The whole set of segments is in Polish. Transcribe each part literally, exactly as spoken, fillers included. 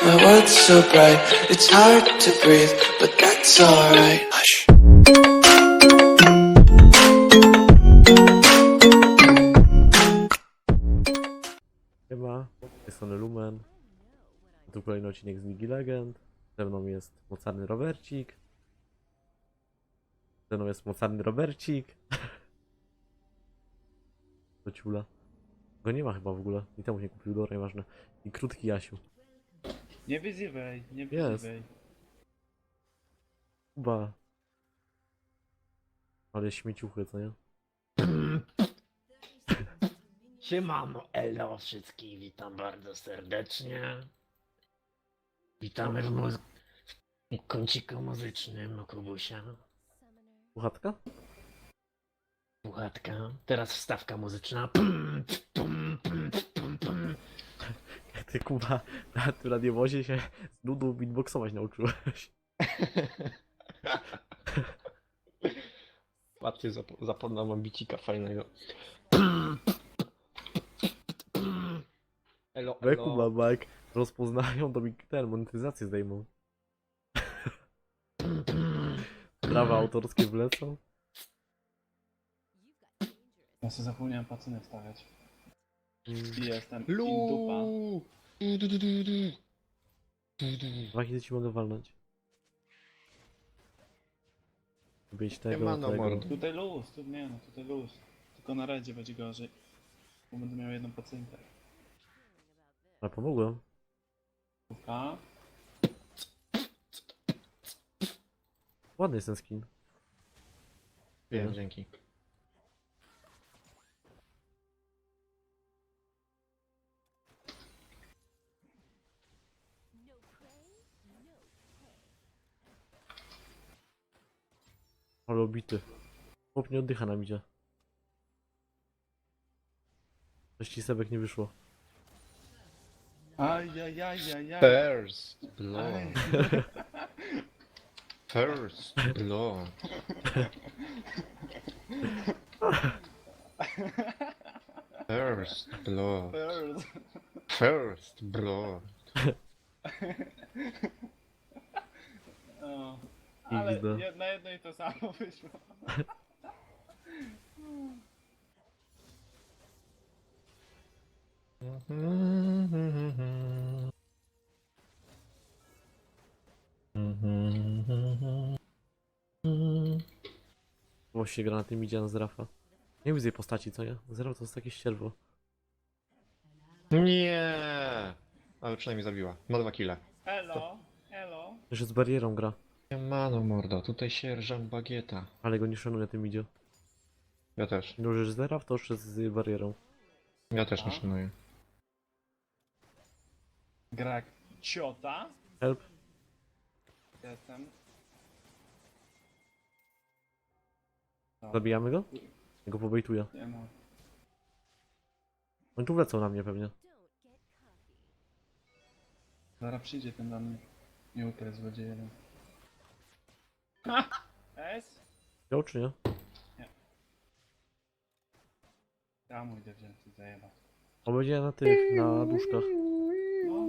My world's so bright, it's hard to breathe, but that's alright. Hush. Siema, z tej strony Lumen. Tu kolejny odcinek z Ligi Legend. Ze mną jest mocarny Robercik. Ze mną jest mocarny Robercik. To ciula. Go nie ma chyba w ogóle. I temu się kupił, dobra, nieważne. I krótki Jasiu. Nie wyzywaj, nie Jest. wyzywaj. Kuba. Ale śmieciuchy, co nie? Siemano, elo wszystkich, witam bardzo serdecznie. Witamy w, mu- w kąciku muzycznym Kubusia. Puchatka? Puchatka. Teraz wstawka muzyczna. Pum, pum, pum, pum, pum. Jak ty, Kuba, na tym radiowozie się z nudą beatboxować nauczyłeś. Patrzcie, zapomniałem mam bicika fajnego. Elo, We elo. Kuba, bo jak rozpoznają, to mi ten monetyzację zdejmą. Prawa autorskie wlecą. Ja sobie zapomniałem pacynę wstawiać. Mm. I jestem Lu. in dupa. Du, du, du, du, du. Du, du. Dwa hity ci mogę walnąć. Być tego, Siemano, tego. mordo. Tutaj luz, tu nie no, tutaj luz. Tylko na redzie będzie gorzej. Bo będę miał jedną pacynkę. Ale pomogłem. Puka. Ładny jest ten skin. Wiem, dzięki. Ale obity. Chłop nie oddycha nam idzie. Coś ci sebek nie wyszło. Ajajajajaj. First blood. Aj. First blood. First blood. First. First blood. O. I Ale widzę. jed- na jedno i to samo wyszło. Właściwie gra na tym idzie na Zrafa. Nie widzę jej postaci, co nie? Zraf to jest takie ścierwo. Nie. Ale przynajmniej zabiła. Ma dwa kile. Elo, elo. Jeszcze z barierą gra. Mano mordo, tutaj sierżant Bagieta. Ale go nie szanuje tym idzie. Ja też. No, że Zraf to jeszcze z barierą. Ja też nie szanuję. Grak. Ciota. Help. Jestem. No, Zabijamy go? Ja go pobejtuję. nie no. Oni tu wlecą na mnie pewnie. Zaraz przyjdzie ten do mnie. Nie ukrył złodziej jeden. Ha! S? Wziął czy nie? Ja mu idę wziąć i zajebać. On będzie na tych, na duszkach. No.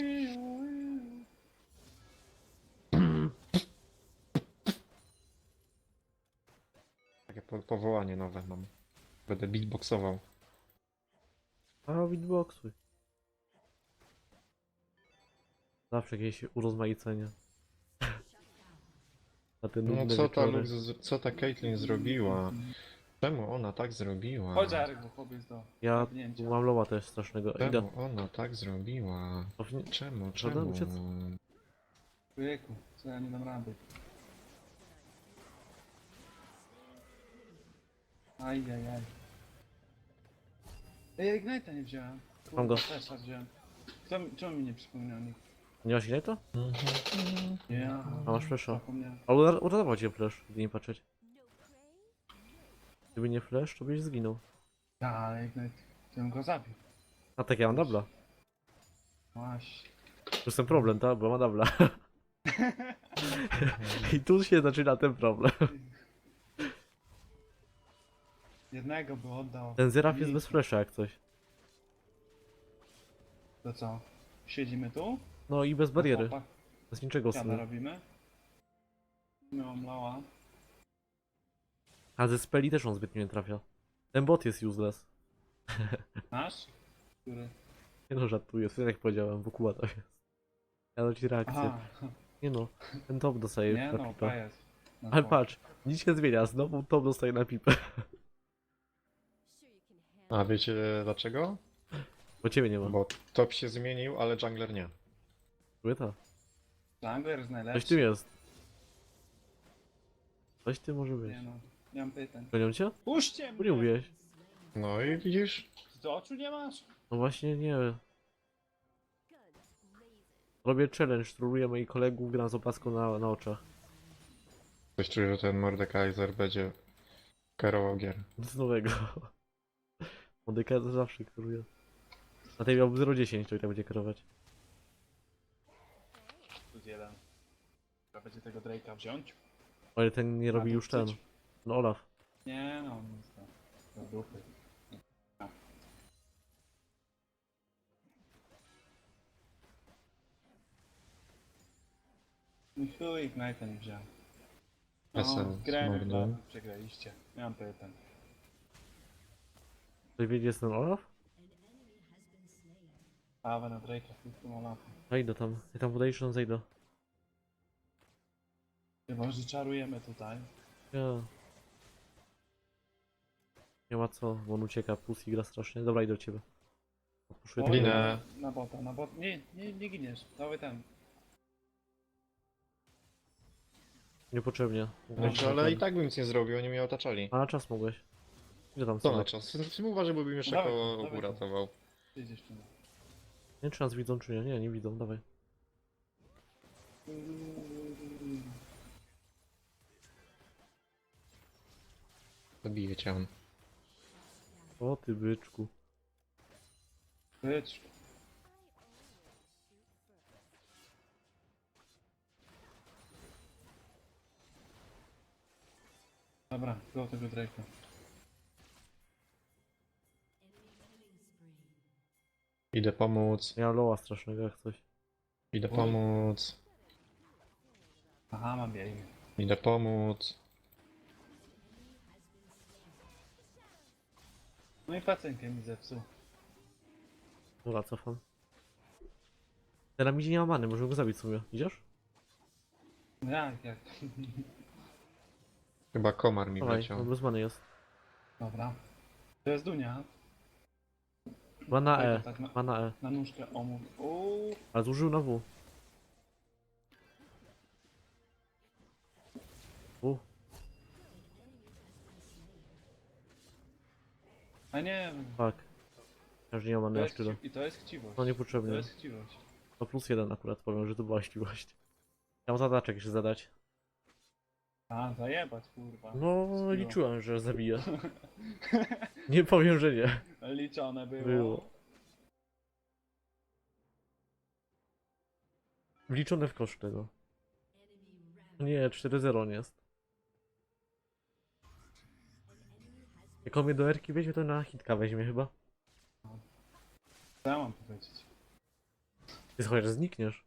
Takie po powołanie nowe mam. Będę beatboxował. A, beatboxuj. Zawsze jakieś urozmaicenie. Na ten No nudne co ta, wieczory. Lux- co ta Caitlyn zrobiła? Czemu ona tak zrobiła? Chodź Arek, bo chłopiec do Ja zabnięcia. mam loła też strasznego. Idę. Czemu ona tak zrobiła? Powinien- Czemu, Trzeba czemu? uciec. Człowieku, co ja nie dam rady. Ajajaj. Ej, ja Ignite'a nie wziąłem. Mam go. Też wziąłem. Kto, mi- czemu mi nie przypomniał nikt? Nie masz ile to? Ja. A masz flasha. Zapomniałem. Ale ura- uratował cię flash, gdy nie patrzeć. Gdyby nie flash, to byś zginął. Ja, ale Ignite, to bym go zabił. A tak ja mam dubla. Właśnie. To jest ten problem, tak? Bo ma dubla. I tu się zaczyna ten problem. Jednego by oddał. Ten Zeraf jest Mi- bez flasha jak coś. To co? Siedzimy tu? No i bez bariery. Chłopak, Bez niczego w Jana sumie. robimy. Miałam lała. A ze speli też on zbytnio nie trafia. Ten bot jest useless. Nasz? Który? Nie no, żartuję, sobie jak powiedziałem, Wukuła to jest. Ja dam ci reakcję. Aha, Nie no, ten top dostaje nie na no, pipę. pajac. No Ale to- patrz, nic się zmienia, znowu top dostaje na pipę. A wiecie dlaczego? Bo ciebie nie ma. Bo top się zmienił, ale jungler nie. Płyta. Jungler jest najlepszy. Coś tym jest. Coś ty może być. Nie no, nie mam pytań. Gonią cię? Puśćcie Bo nie mnie! mówiłeś. No i widzisz? Ty oczu nie masz? No właśnie nie. Robię challenge, troluję moich kolegów, gram z opaską na, na oczach. Coś czuję, że ten Mordekaiser będzie kierował gier. Nic nowego. Modyka to zawsze kieruje. Na tej miałby zero dziesięć, to i tak będzie kierować. Plus jeden. Trzeba będzie tego Drake'a wziąć. Ale ten nie robi A, już to ten. chcecie? No Olaf. Nie no, nic to. Do dupy. No i chuj, Ignite'a nie wziąłem. No, Essen, grałem smordą. w przegraliście. Nie mam pytań. Ktoś wie, gdzie jest ten Olaf? Paweł na Drake'a, z tym Olafem. Zajdę tam. Ja tam podejrzę, on zejdę. Chyba, że czarujemy tutaj. Ja. Nie ma co, bo on ucieka, pussy gra strasznie. Dobra, idę do ciebie. Odpuszuję Oj, tego. Ginę. Na, na bota, na bot. Nie, nie, nie giniesz. Dawaj ten. Niepotrzebnie. Znaczy, ale i tak bym nic nie zrobił, oni mnie otaczali. A na czas mogłeś. Ile tam Co są? na czas? Uważaj, bo bym jeszcze Dawaj, koło dawaj. uratował. Ty idziesz tu. Nie wiem, czy nas widzą, czy nie. Nie, nie widzą, dawaj. Zabiję cię. on. O ty byczku. Bycz. Dobra, go tego Drake'a. Idę pomóc, Ja loła strasznego jak coś. idę Oj. pomóc, Aha, mam biegnie. idę pomóc. No i pacjenkę mi zepsuł. Dobra, cofam. Teraz mi nie ma many, możemy go zabić w sumie. Idziesz? No jak, jak? Chyba komar mi Dawaj, wleciał. on bez many jest. Dobra. To jest Dunia. Ma na E, Tak, na, ma na E. na nóżkę omów. Uuu. Ale zużył na W. U, A nie, tak. Każdy nie ma to many jest aż tyle. chci- i to jest chciwość. No To niepotrzebnie. jest chciwość. To plus jeden akurat powiem, że to była chciwość. Ja mam zadaczek jeszcze zadać. A, zajebać, kurwa. No, Skill. liczyłem, że zabiję. Nie powiem, że nie. Liczone było. Było. Wliczone w koszt tego. Nie, cztery zero nie jest. Jak on mnie do erki weźmie, to na hitka weźmie chyba. Co ja mam powiedzieć? Ty chociaż znikniesz.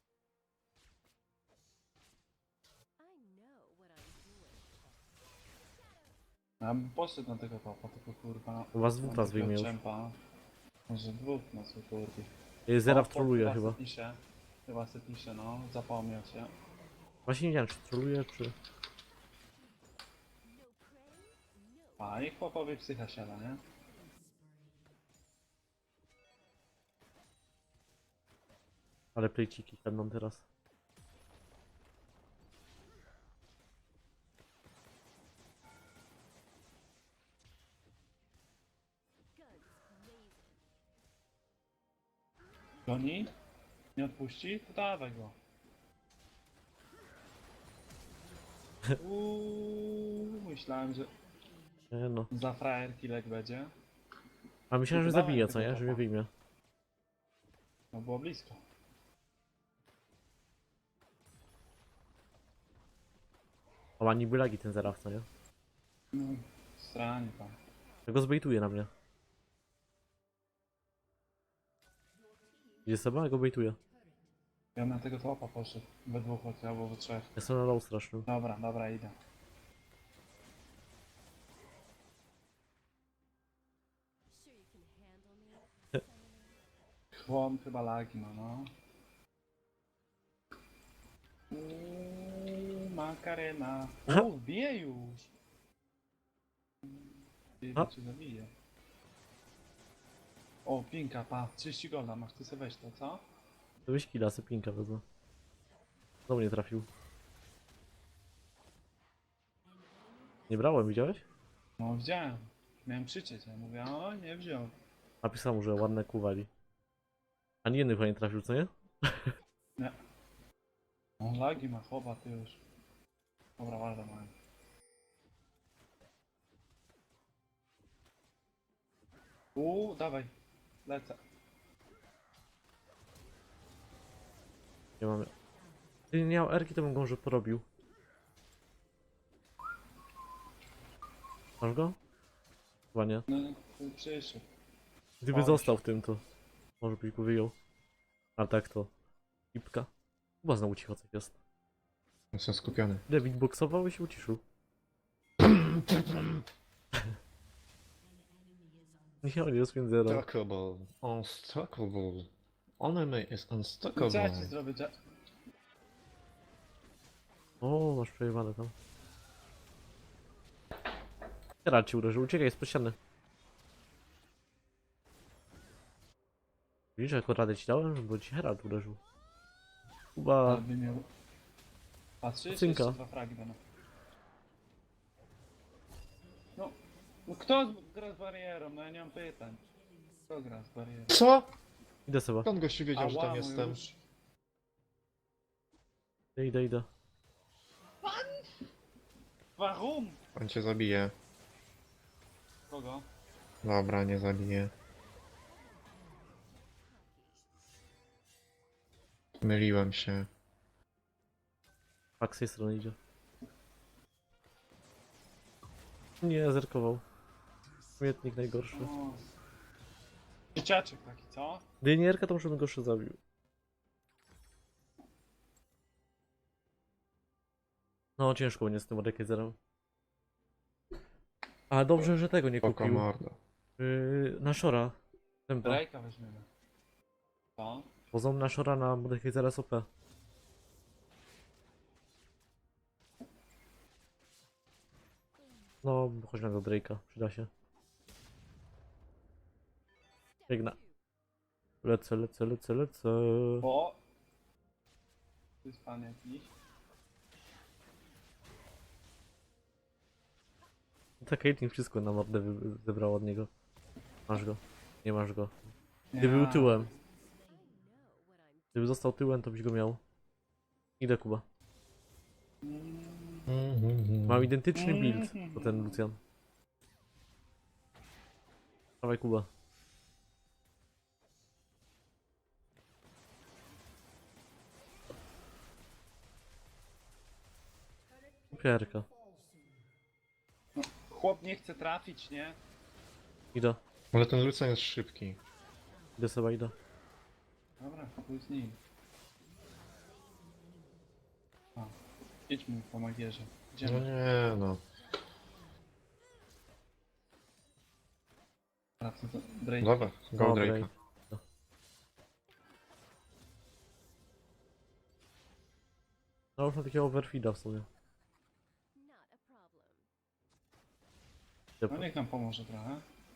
Ja bym poszedł na tego topa, tylko kurwa. U was dwóch mam nas takiego wyjmie już. czempa. Może dwóch na swój kurwi. Ja Zera O, wtroluje chyba chyba. se pisze. Chyba se pisze, no. Zapomniał się. Właśnie nie wiem, czy troluje, czy... A i chłopowi psycha siada, nie? Ale plejciki będą teraz. Goni? Nie odpuści? To dawaj go. Uuu, myślałem, że Nie no. za frajerki lek będzie. A myślałem, że Dawaj zabije, tego co nie? Że topa. mnie wyjmie. No było blisko. O, ma niby lagi ten Zeraf, co nie? No, stranie tam. Tego zbejtuje na mnie. Idzie sobie, a go bejtuje. Ja na tego topa poszedł. We dwóch chodź, albo we trzech. Jestem na low strasznym. Dobra, dobra, idę. Chłon chyba lagi ma, no. Uuu, makarena. Uuu, bije już. Ty, A. cię zabije. O, pinka, pa, trzydzieści golda masz, ty sobie weź to, co? To byś killa, sypinka wezmę. Znowu nie trafił. Nie brałem, widziałeś? No, widziałem. Miałem krzyczeć, ja mówię, o, nie wziął. Napisał mu, że ładne kuwali. Ani jedny chyba nie trafił, co nie? On lagi ma, chowa, ty już. Dobra, warto mają. Uuu, dawaj, lecę. Nie mamy. Gdyby nie miał erki, to bym go może porobił. Masz go? Chyba nie. No, to przyszedł. Gdyby Oj. został w tym, to może byś go wyjął. A tak to... Ipka. Chyba znowu cicho coś jest. Jestem skupiony. David boksował i się uciszył. Nie, on jest między zero. Unstockable. Unstockable. Enemy is Co ja ci unstockable. zrobię, Jack? O, masz przejebane tam. Herald ci uderzył, uciekaj, jest ściany. Widzisz, jaką radę ci dałem, bo ci Herald uderzył. Kuba, Ale by miał... Patrzysz? Cynka. Jeszcze dwa fragi będą. No, no kto z- gra z barierą? No ja nie mam pytań. Kto gra z barierą? Co? idę sobie. Skąd gościu wiedział, że Ała, tam mój jestem? nóż. Idę, idę, idę. Warum? On cię zabije. Kogo? Dobra, nie zabije. Myliłem się. Pak z tej strony idzie. Nie, zerkował. Śmietnik najgorszy. O. Dzieciaczek taki, co? Gdyby nie Erka, to może bym go jeszcze zabił. No, ciężko będzie z tym Mordekaiserem. A dobrze, że tego nie Poko kupił. mordo. Yy, na Shora. Tempa. Drake'a weźmiemy. Co? Pozom na Shora na Mordekaisera S O P. No, chodź na do Drake'a, przyda się. Biegnę. Lecę, lecę, lecę, lecę. O! To jest pan jakiś. Ta Caitlyn wszystko na mordę wy- zebrała od niego. Masz go. Nie masz go. Nie Gdyby był ma. tyłem. Gdyby został tyłem, to byś go miał. Idę, Kuba. Mm. Mam identyczny build do ten Lucian. Dawaj, Kuba. Pierka. Chłop nie chce trafić, nie? Idę. Ale ten Lucian jest szybki. Idę sobie, idę. Dobra, chuj z nim. O, idźmy po magierze. No Idziemy. nie no. Wracam do Drake'a. Dobra, go Dobra, Drake'a. No już mam takiego overfeeda w sumie. No niech nam pomoże trochę.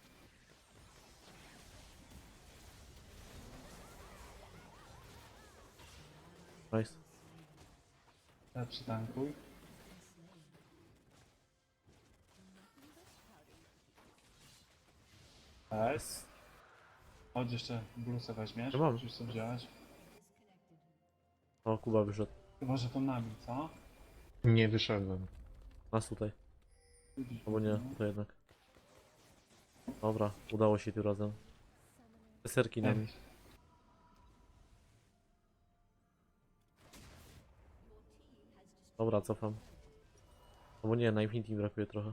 Nice. Ja przytankuj. Jest. Chodź jeszcze blusę weźmiesz. Ja mam. Już co wziąłeś. O, Kuba wyszedł. Chyba, że to nami, co? Nie wyszedłem. Nas tutaj. Widzisz, Albo nie, no. to jednak. Dobra, udało się tym razem. Te serki nami. Ej, Dobra, cofam. Albo nie, na Infinity mi brakuje trochę.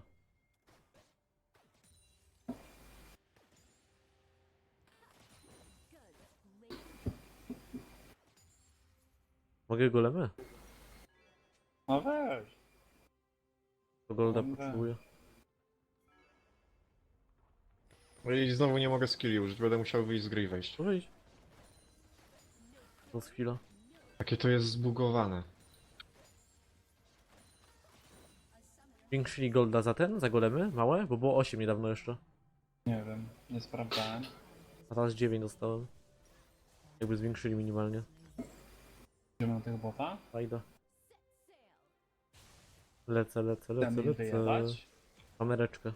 Mogę golemy? No weź. To golda Dobra. potrzebuję. No i znowu nie mogę skilli użyć, będę musiał wyjść z gry i wejść. To wyjdź. To z chwila. Jakie to jest zbugowane. Zwiększyli golda za ten? Za golemy? Małe? Bo było osiem niedawno jeszcze. Nie wiem, nie sprawdzałem. A teraz dziewięć dostałem. Jakby zwiększyli minimalnie. Idziemy na tego bota. Fajda. Lecę, lecę, lecę, Chcemy im lecę. wyjebać. Kamereczkę.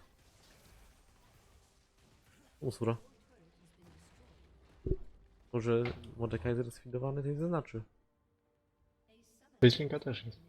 Usura. To, że Mordekaiser sfidowany, to nie znaczy. Facelinka też jest.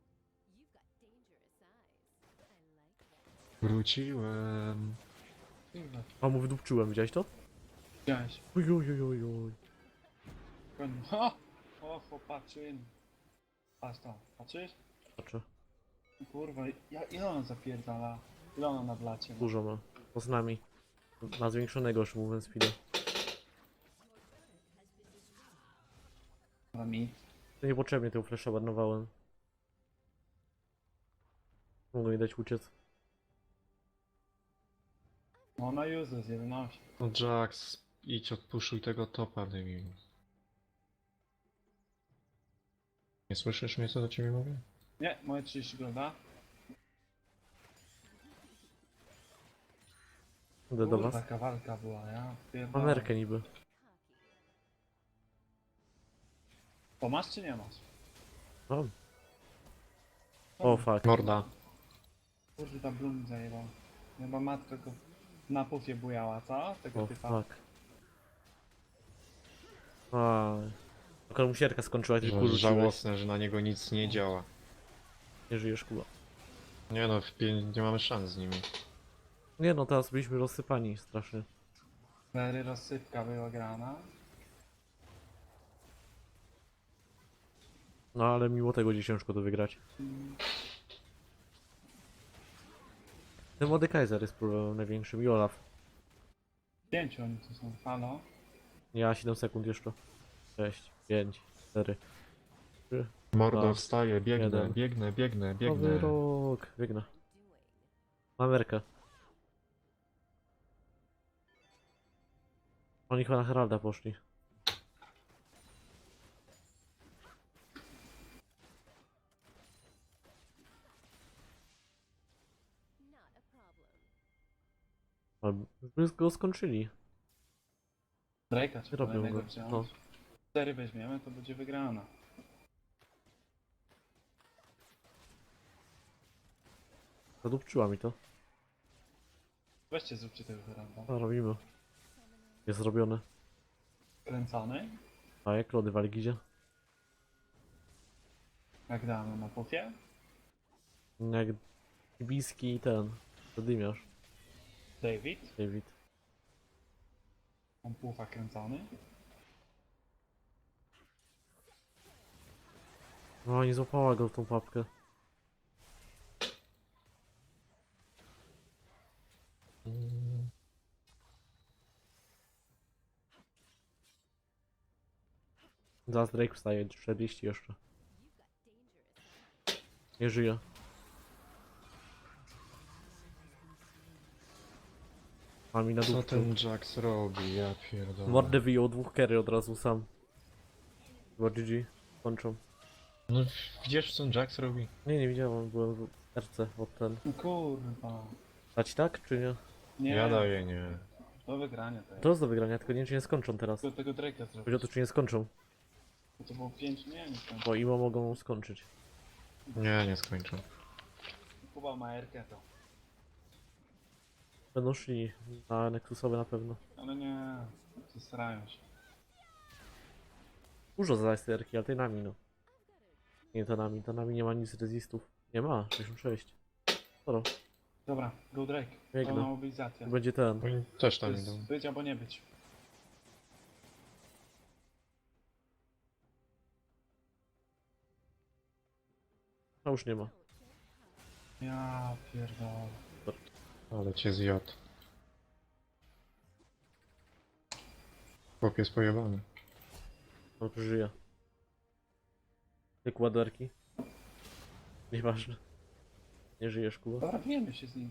Wróciłem. Kurwa, A mu wydupczyłem, widziałeś to? widziałeś. Oj, oj, oj, oj, oj. O! O, chłopaczyn. Patrz to, patrzysz? Patrzę. Kurwa, ja, ile ona zapierdala? Ile ona na blacie ma? Dużo ma. To z nami. Na zwiększonego już mówiąc speeda. Na mi. To niepotrzebnie tego flasha marnowałem. Mogę mi dać uciec. No ona useless, jedenaście. No Jax, idź odpuszuj tego topa, debilu. Nie słyszysz mnie, co do ciebie mówię? Nie, moje trzydzieści golda. Idę do Kurwa, was. taka walka była, ja pierdolę. Amerykę niby. To masz czy nie masz? Mam. O fuck. Morda. Kurde, ta Bloom zajebał. Chyba matka go na pufie bujała, co? Tego O typa. fuck. A. Akurat mu sierka skończyła, ty kurczyłeś. Żałosne, że na niego nic nie działa. Nie żyjesz, kuba. Nie no, w pię- nie mamy szans z nimi. Nie no, teraz byliśmy rozsypani strasznie. Cztery rozsypka była grana. No ale mimo tego będzie ciężko to wygrać. Ten Mordekaiser jest problemem największym i Olaf. Pięciu oni tu są, halo? Ja siedem sekund jeszcze. sześć, pięć, cztery. Mordo, Dwa, wstaję, biegnę, jeden. biegnę, biegnę, Nowy biegnę. rok. Biegnę. Amerykę. Oni chyba na Heralda poszli. Ale by go skończyli. Drake'a czy Robią kolejnego go, wziąć. no. Cztery weźmiemy, to będzie wygrana. Zadupczyła mi to. Weźcie zróbcie tego Heralda. A robimy. Jest zrobione. Kręcony? A jak lody w Algizie? Jak damy na pufie? Jak Biski i ten. Zadymiarz, David? David. On pufa kręcony? No nie złapała go w tą papkę. Zaraz Drake wstaje, czterdzieści jeszcze. Nie żyje. A mi na Co dupcu. ten Jax robi? Ja pierdolę. Mordę wyjął dwóch carry od razu sam. Chyba G G. Kończą. No widzisz co ten Jax robi? Nie, nie widziałem, byłem w R C od ten. No kurwa. Dać tak, czy nie? Nie, Ja daję nie. do wygrania to jest. To jest do wygrania, tylko nie wiem, czy nie skończą teraz. Tylko tego Drake'a Chodzi o zrobić. to, czy nie skończą. To było pięć, nie, nie skończę. Bo imo mogą skończyć. Nie, nie skończę. Kuba ma Erkę to. Będą szli na Nexusowe na pewno. Ale nie, zesrają się. Dużo za sterki, ale tej nami no. Nie, to nami, to nami nie ma nic rezistów. Nie ma, sześćdziesiąt sześć. Sporo. Dobra, go Drake. Biegnę. To mobilizacja. Będzie ten. Oni też To tam jest idą. być albo nie być. A już nie ma. Ja pierdolę. Ale cię zjadł. Chłop jest pojebany. On żyje. Jak ładowarki. Nieważne. Nie żyjesz, Kuba. Dobra, bijemy się z nim.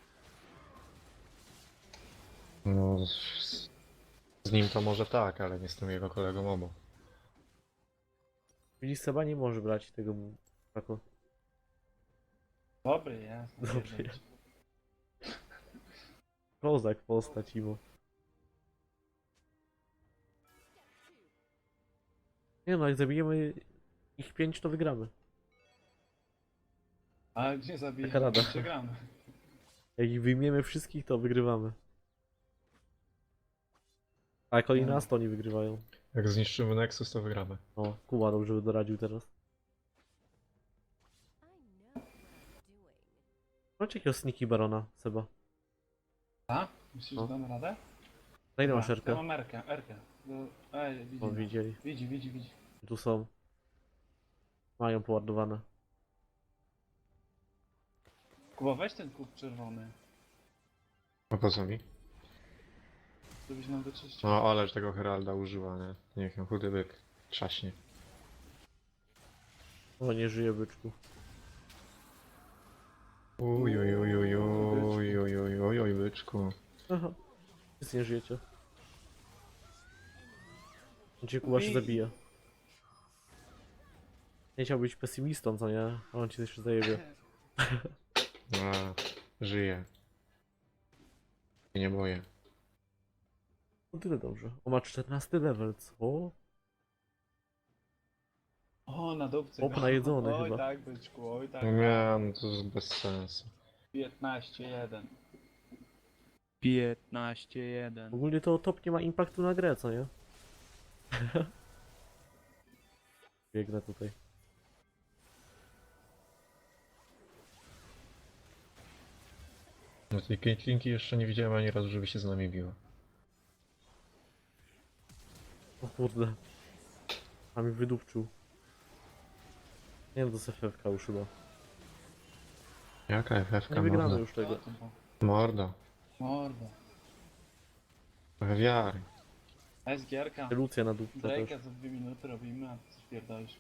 No, z, z nim to może tak, ale nie z tym jego kolegą obok. Widzisz, Seba nie może brać tego tako. Dobry jest. no Dobry nie jest. Kozak postać, Imo. Nie no, jak zabijemy ich pięć, to wygramy. Ale gdzie zabijemy? Taka rada. Przegramy. Jak ich wyjmiemy wszystkich, to wygrywamy. A jak oni No. nas, to oni wygrywają. Jak zniszczymy Nexus, to wygramy. O, Kuba dobrze doradził teraz. Chodź jakiego sniki barona, Seba. A? Myślisz, No. że damy radę? Daj nam Dobra, Ja szerkę. mam Erkę, Erkę. No, ej, widzi. O, nas. widzieli. Widzi, widzi, widzi. Tu są. Mają poładowane. Kuba, weź ten kup czerwony. A po co mi? Żebyś nam wyczyścił. No, ależ tego Heralda użyła, nie? Niech ją chudy byk trzaśnie. O, nie żyje byczku. Uj, uj, uj, uj, uj, uj, uj, uj, uj, byczku. Aha. Wszyscy nie żyjecie. Gdzie Kuba się Bij. zabija. Nie chciał być pesymistą, co nie? A on ci jeszcze zajebie. A, żyje. I nie boję. No tyle dobrze. On ma czternasty level, co? O, na dupce. Chłop go. najedzony Oj, chyba. tak, byczku, oj, tak. Nie, no to jest bez sensu. piętnaście jeden. piętnaście jeden. Ogólnie to top nie ma impaktu na grę, co nie? Biegnę tutaj. No tej Caitlinki jeszcze nie widziałem ani razu, żeby się z nami biła. O kurde. A mi wydupczył. Nie wiem, to F F K już chyba. Jaka F F Nie K wygramy morda? już tego. Morda. Mordo. Trochę wiary. S gierka. Lucja na dupce też. Drake'a za dwie minuty robimy, a ty coś pierdolisz.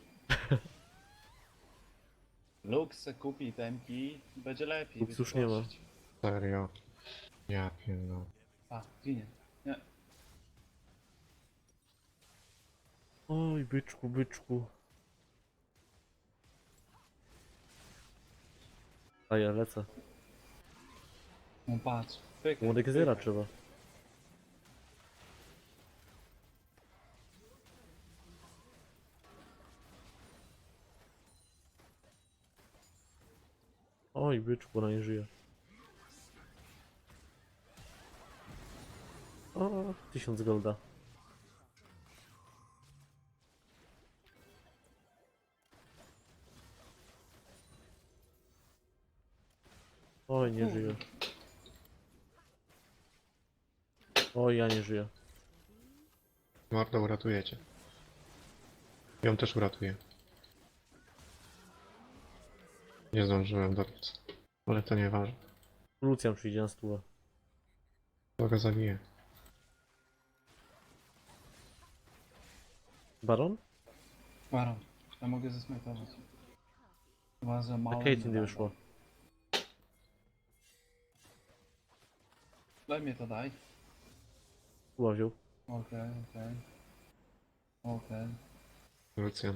Lux se kupi temki, będzie lepiej. Lux wiesz, już nie ma. gościć. Serio. Ja pierdolę. A, ginie. Nie. Oj, byczku, byczku. A ja lecę. No patrz. Pyk, Młodek pyk. zera trzeba. Oj, byczku, ona nie żyje. O, tysiąc golda. Oj, nie żyje. Oj, ja nie żyję. Morda, uratujecie. Ją też uratuję. Nie zdążyłem dobiec. Ale to nieważne. Lucian przyjdzie na stówę. To go zabiję. Baron? Baron. Ja mogę zesmajtować. Chyba za A mało. Caitlyn nie nie wyszła. Daj mnie to, daj. Kuba wziął. Okej, okej. Okej. Lucian.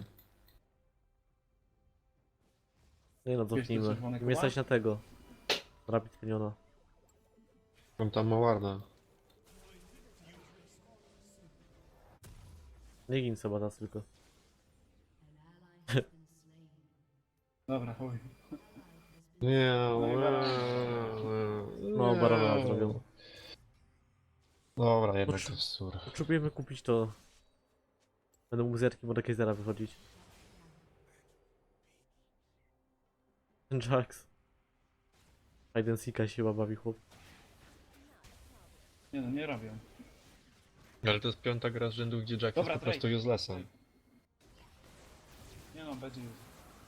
Nie no, Wiesz, to cofnijmy. czerwony Nie stać Kuba? na tego. Rapid Piniona. On tam ma warda. Nie gin sobie nas tylko. Dobra, chuj. Nie, No i barana. No, barana zrobią. Dobra, jednak Potrze- to jest sur. Potrzebujemy kupić to. Będę mógł z Jarkiem od Kaisera wychodzić. Ten Jax. Hide and Seeka się chyba bawi chłop. Nie no, nie robią. Ale to jest piąta gra z rzędu, gdzie Jack Dobra, jest po prostu Drake. uselessem. Nie no, będzie już.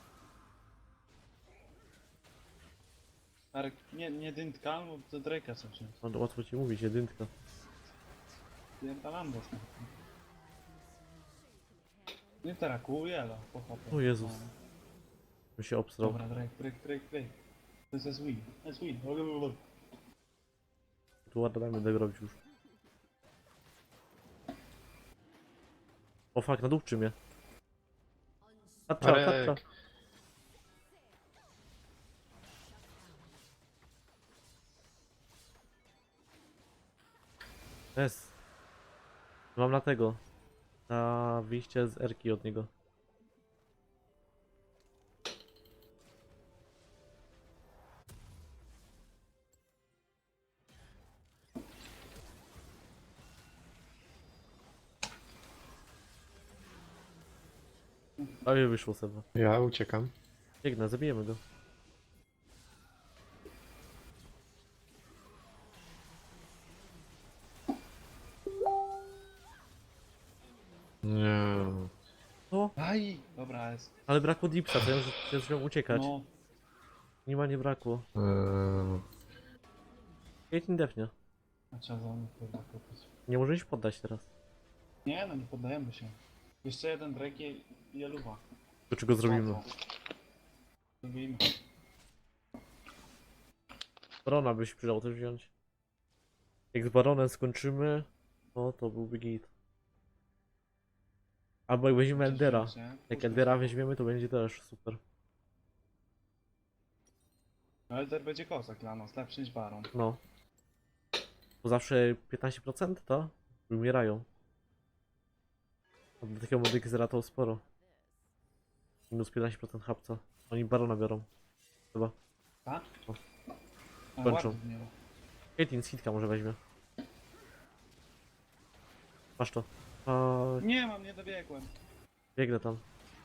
Arek, nie, nie dyntka, bo to Drake'a co wziąć. No, łatwo ci mówić, jedynka. Pierdalam dostęp. Nie terakuje, ale pochopę. O Jezus. Bym się obstrał. Dobra, Drake, Drake, Drake, Drake. To jest S win, S win. Blablabla. Tu ładnie będę robić już. O fuck, nadupczy mnie. Tacza, tacza. Arek. Jest. Mam na tego. Na wyjście z Erki od niego. A mnie wyszło Seba. Ja uciekam. Biegnę, zabijemy go. Nie. O, Aj! Dobra, jest. ale brakło dipsa, to ja już chciałem uciekać. No, Nie ma, nie brakło. Eee, Caitlyn defnie. a trzeba za mnie kurwa kupić. Nie możesz się poddać teraz. Nie no, nie poddajemy się. Jeszcze jeden Drake i i Eluwa. Do czego zrobimy? Łatwo. Zrobimy. Barona byś przydał też wziąć. Jak z Baronem skończymy, no to byłby git. Albo jak weźmiemy Eldera. Jak Eldera weźmiemy, to będzie też super. No Elder będzie kozak dla nas, lepszy niż Baron. No. Bo zawsze piętnaście procent to wymierają. A do takiego modyki to sporo. Minus piętnaście procent hapca. Oni Barona biorą. Chyba. Tak? O. A, Kończą. ładnie miał. Caitlyn z hitka może weźmie. Masz to. A, Nie mam, nie dobiegłem. biegnę tam.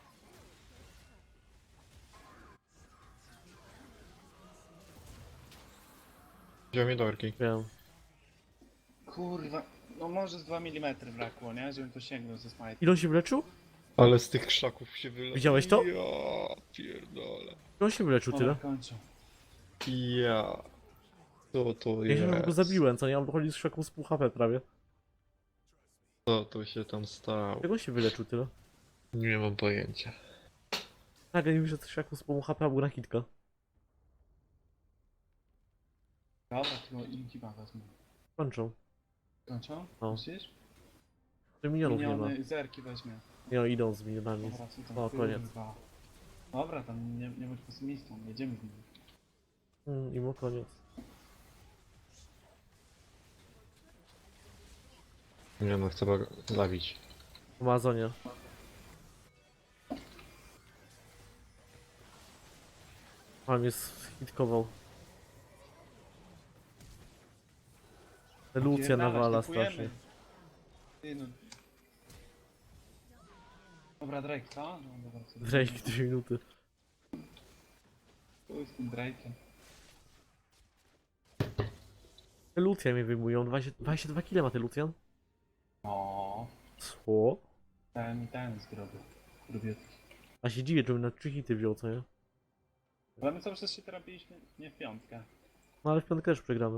wziął mnie do Erki. Wiem. Kurwa, no może z dwa milimetry brakło, nie? Żebym to sięgnął ze smite. Ile on się wyleczył? Ale z tych krzaków się wyle... Widziałeś to? Ja pierdolę. Ile on się wyleczył Dobra, tyle? kończę. Ja. Co to Ja się jest? go zabiłem, co nie? On wychodzi z szaką z pół H P prawie. Co to się tam stało? Jak on się wyleczył tyle? Nie mam pojęcia. Nagle mi wyszedł z szaką z pół H P, a był na hitka. Dobra, tylko inkiba wezmę. Kończą. Kończą? No. Myślisz? To minionów nie ma. Miniony zerki weźmie. Nie no, idą z minionami. Dobra, co tam? O, koniec. Kurwa. Dobra, tam nie, nie bądź pesymistą, jedziemy z nim. Mm, i mu koniec. Nie no, chcę go zabić. W Amazonie. A mnie hitkował. Lucja Pierdalać, nawala typujemy. strasznie. Ty no. Dobra, Drake, co? No dobra, co? Drake dwie minuty. Chuj z tym Drake'em. Te Lucja mnie wyjmują. dwadzieścia, dwadzieścia dwa kile ma ten Lucian. No, Co? ten i ten zrobił. Robiutki. A się dziwię, żebym na trzy hity wziął, co nie? Ale my cały czas się terapiliśmy nie w piątkę. No ale w piątkę też przegramy.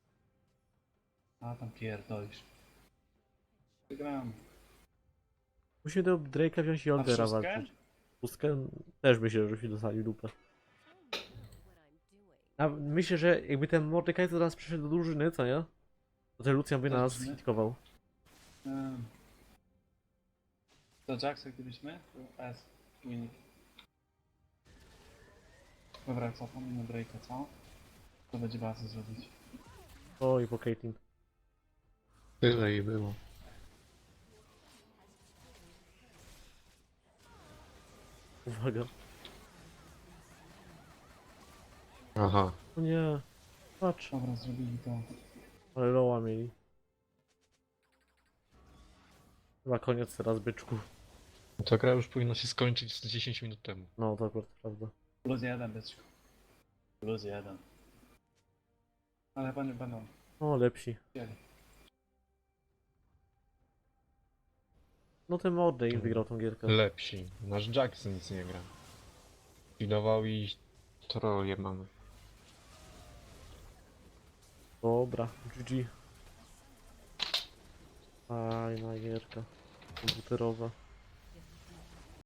A tam pierdolisz. Wygrałem. Musimy do Drake'a wziąć i A Aldera szóstkę? walczyć. Pustkę też myślę, że się dostali dupę. A myślę, że jakby ten Mordekaj to teraz przyszedł do drużyny, co nie? To ten Lucian by Do nas drużyny? hitkował. Um. Do Jacksa gdybyśmy? To S. Win. Dobra, co tam na Drake'a, co? To będzie bazę zrobić. Oj, po Caitlyn. Tyle i było. Uwaga. Aha. O nie. Patrz. Dobra, zrobili to. Ale loła mieli. Chyba koniec teraz, byczku. Ta gra już powinna się skończyć z dziesięć minut temu. No, to akurat prawda. Plus jeden, byczku. Plus jeden. Ale chyba nie będą O, lepsi. chcieli. No ten Mordek wygrał tą gierkę. Lepsi. Nasz Jackson nic nie gra. Widował i troje mamy. Dobra, G G. Fajna gierka. Komputerowa.